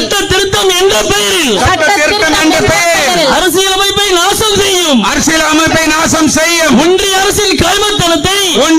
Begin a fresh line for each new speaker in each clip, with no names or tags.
சட்ட திருத்தம் என்ற பெயரில் அரசியலமைப்பை நாசம் செய்யும் ஒன்றிய அரசின் கல்வத்தனத்தை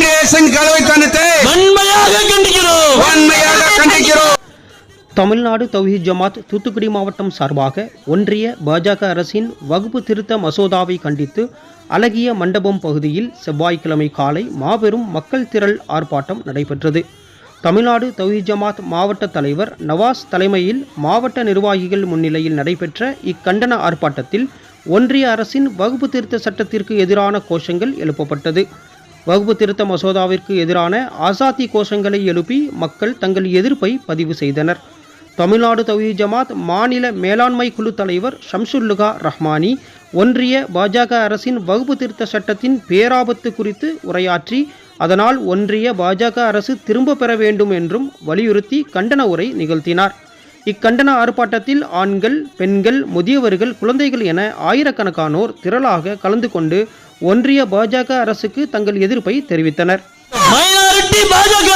வன்மையாக கண்டிக்கிறோம்.
தமிழ்நாடு தௌஹீத் ஜமாத் தூத்துக்குடி மாவட்டம் சார்பாக ஒன்றிய பாஜக அரசின் வகுப்பு திருத்த மசோதாவை கண்டித்து அழகிய மண்டபம் பகுதியில் செவ்வாய்க்கிழமை காலை மாபெரும் மக்கள் திரள் ஆர்ப்பாட்டம் நடைபெற்றது. தமிழ்நாடு தௌஹீத் ஜமாத் மாவட்ட தலைவர் நவாஸ் தலைமையில் மாவட்ட நிர்வாகிகள் முன்னிலையில் நடைபெற்ற இக்கண்டன ஆர்ப்பாட்டத்தில் ஒன்றிய அரசின் வகுப்பு திருத்த சட்டத்திற்கு எதிரான கோஷங்கள் எழுப்பப்பட்டது. வகுப்பு திருத்த மசோதாவிற்கு எதிரான ஆசாதி கோஷங்களை எழுப்பி மக்கள் தங்கள் எதிர்ப்பை பதிவு செய்தனர். தமிழ்நாடு தௌஹீத் ஜமாத் மாநில மேலாண்மை குழு தலைவர் ஷம்சுல்லுகா ரஹ்மானி ஒன்றிய பாஜக அரசின் வகுப்பு திருத்த சட்டத்தின் பேராபத்து குறித்து உரையாற்றி அதனால் ஒன்றிய பாஜக அரசு திரும்ப பெற வேண்டும் என்றும் வலியுறுத்தி கண்டன உரை நிகழ்த்தினார். இக்கண்டன ஆர்ப்பாட்டத்தில் ஆண்கள், பெண்கள், முதியவர்கள், குழந்தைகள் என ஆயிரக்கணக்கானோர் திரளாக கலந்து கொண்டு ஒன்றிய பாஜக அரசுக்கு தங்கள் எதிர்ப்பை தெரிவித்தனர்.
மைனாரிட்டி பாஜக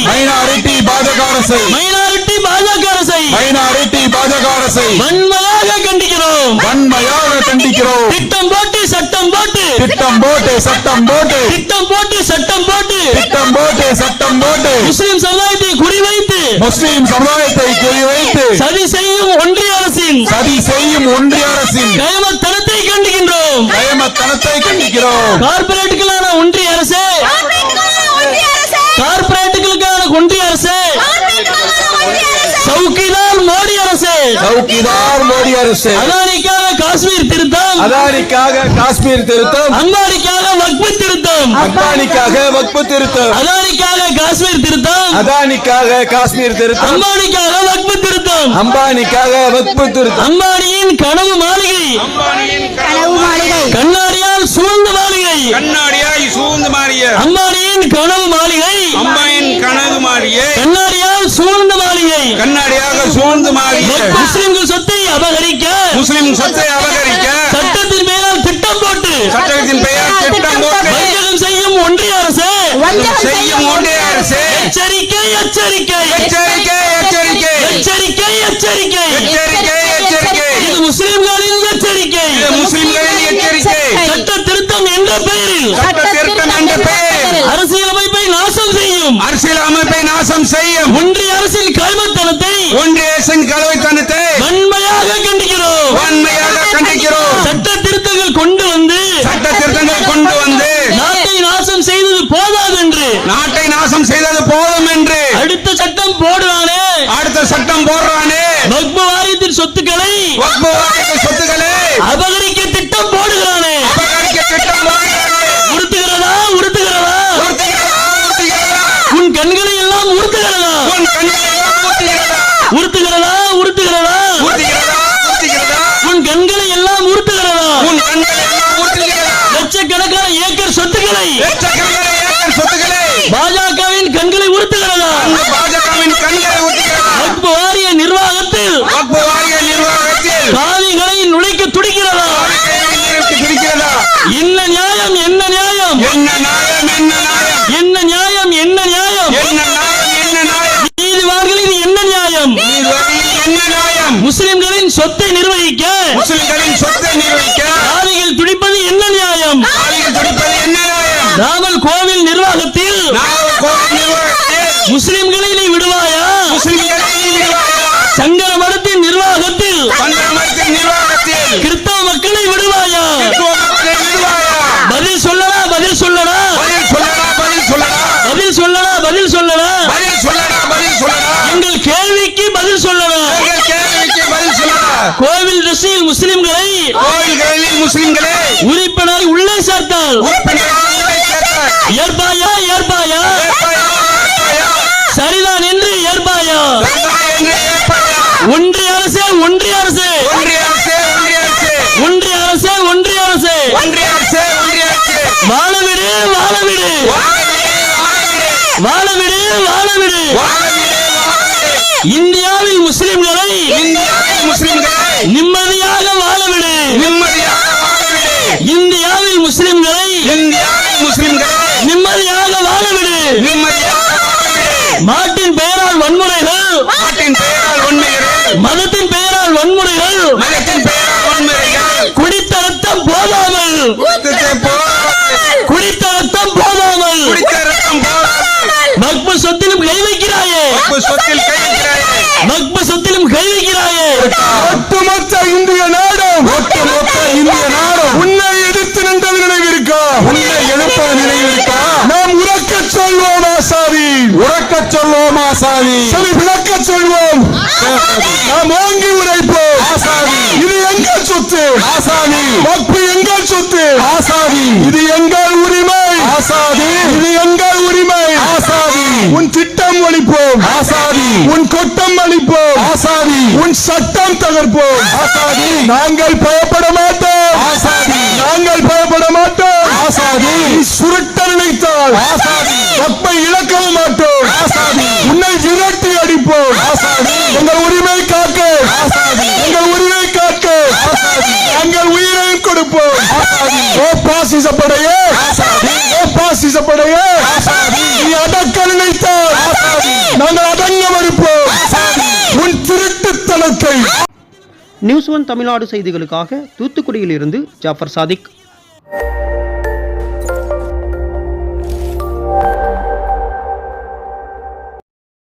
அரசை வன்மையாக கண்டிக்கிறோம். திட்டம் போட்டு சட்டம் போட்டு முஸ்லிம் சமுதாயத்தை குறிவைத்து சதி செய்யும் ஒன்றிய அரசின் கயமத்தனத்தை கண்டிக்கின்றோம். கார்பரேட்டுகளான ஒன்றிய அரசு, கார்பரேட்டுகளுக்கான ஒன்றிய அரசு, சவுக்கிதார் மோடி அரசு, அதானிக்காக காஷ்மீர் திருத்தம், அம்பானிக்காக வக்ஃபு திருத்தம், அதானிக்காக காஷ்மீர் திருத்தம், அம்பானிக்காக வக்ஃபு திருத்தம், அம்பானியின் கனவு மாளிகை, கண்ணாடியால் சூழ்ந்த மாளிகை, அம்பானியின் கனவு மாளிகை, கண்ணாடியால் சூழ்ந்த மாளிகை, முஸ்லிம்கள் சொத்தை அபகரிக்க சட்டத்தின் பெயரால் திட்டம் போட்டு வஞ்சகம் செய்யும் ஒன்றிய அரசு, எச்சரிக்கை இது முஸ்லிம்களின் எச்சரிக்கை. சட்ட திருத்தம் என்ற பெயரில் அரசியலமைப்பை நாசம் செய்யும் ஒன்றிய அரசின் கல்வத்தனத்தை வன்மையாக கண்டிக்கிறோம். சட்ட திருத்தங்கள் கொண்டு வந்து நாட்டை நாசம் செய்தது போதும் என்று அடுத்த சட்டம் போடுறானே வக்ஃபு வாரியத்தின் சொத்துக்களை அபகரிக்க திட்டம் போடுகிறானே. உறுத்துகிறதா உன் கண்களை எல்லாம் உறுத்துகிறதா உன் கண்களை எல்லாம் உறுத்துகிறதா லட்சக்கணக்கான ஏக்கர் சொத்துக்களை பாஜகவின் கண்களை உறுத்துகிறதா வக்ஃபு வாரிய நிர்வாகத்தில் காவிகளை நுழைக்க துடிக்கிறதா? என்ன நியாயம் நீதிவான்களின் என்ன நியாயம்? முஸ்லிம்களின் சொத்தை நிர்வகிக்க காவிகள் துடிப்பது என்ன நியாயம்? ராமல் கோவில் நிர்வாகத்தில் முஸ்லிம்களை நீ விடுவாயா? சங்கர மடத்தின் நிர்வாகத்தில் கிறிஸ்தவ மக்களை விடுவாயா? பதில் சொல்லடா. எங்கள் கேள்விக்கு பதில் சொல்லடா. கோவில் ட்ரஸ்டில் முஸ்லிம்களை உறுப்பினர் உள்ளே சேர்த்தால் ஏற்பாயா? சரிதான் என்று ஏற்பாயா? ஒன்றிய அரசு வாழவிடு. இந்தியாவில் முஸ்லிம்களை நிம்மதியாக வாழவிடு. இந்தியாவில் முஸ்லிம்களை நிம்மதியாக வாழவிடு. மாட்டின் பெயரால் வன்முறைகள் மதத்தின் பெயரால் வன்முறைகள் குடித்த ரத்தம் போதாமல் குடித்த ரத்தம் போதாமல் மக்பு சொத்திலும் கை வைக்கிறாயே மக்பு சொத்திலும் கை வைக்கிறாயே
ஒட்டுமொத்த இந்திய நாடும் உன்னை எதிர்த்து நின்றது நினைவிருக்கா? நாம் உறக்கச் சொல்வோம் ஆசாரி, சரி விளக்கச் சொல்வோம், நாம் ஓங்கி உரைப்போம் இது எங்கள் சொத்து வக்பு எங்கள் சொத்து இது எங்கள் உரிமை இது எங்கள் உரிமை உன் திட்டம் ஒழிப்போம் உன் கொட்டம் அளிப்போம் உன் சட்டம் தகர்ப்போம் நாங்கள் பயப்பட மாட்டோம் நீ சுருட்ட நினைத்தால் வக்பை இழக்கவும் மாட்டோம் உன்னை விரட்டி அடிப்போம் எங்கள் உரிமை காக்க நாங்கள் உயிரையும் கொடுப்போம் ஓ பாசிசப்படையே நீ அடக்க நினைத்தால் நாங்கள் அடங்க மறுப்போம் உன் திருட்டுத்தனத்தை.
நியூஸ் ஒன் தமிழ்நாடு செய்திகளுக்காக தூத்துக்குடியில் இருந்து ஜாஃபர் சாதிக்.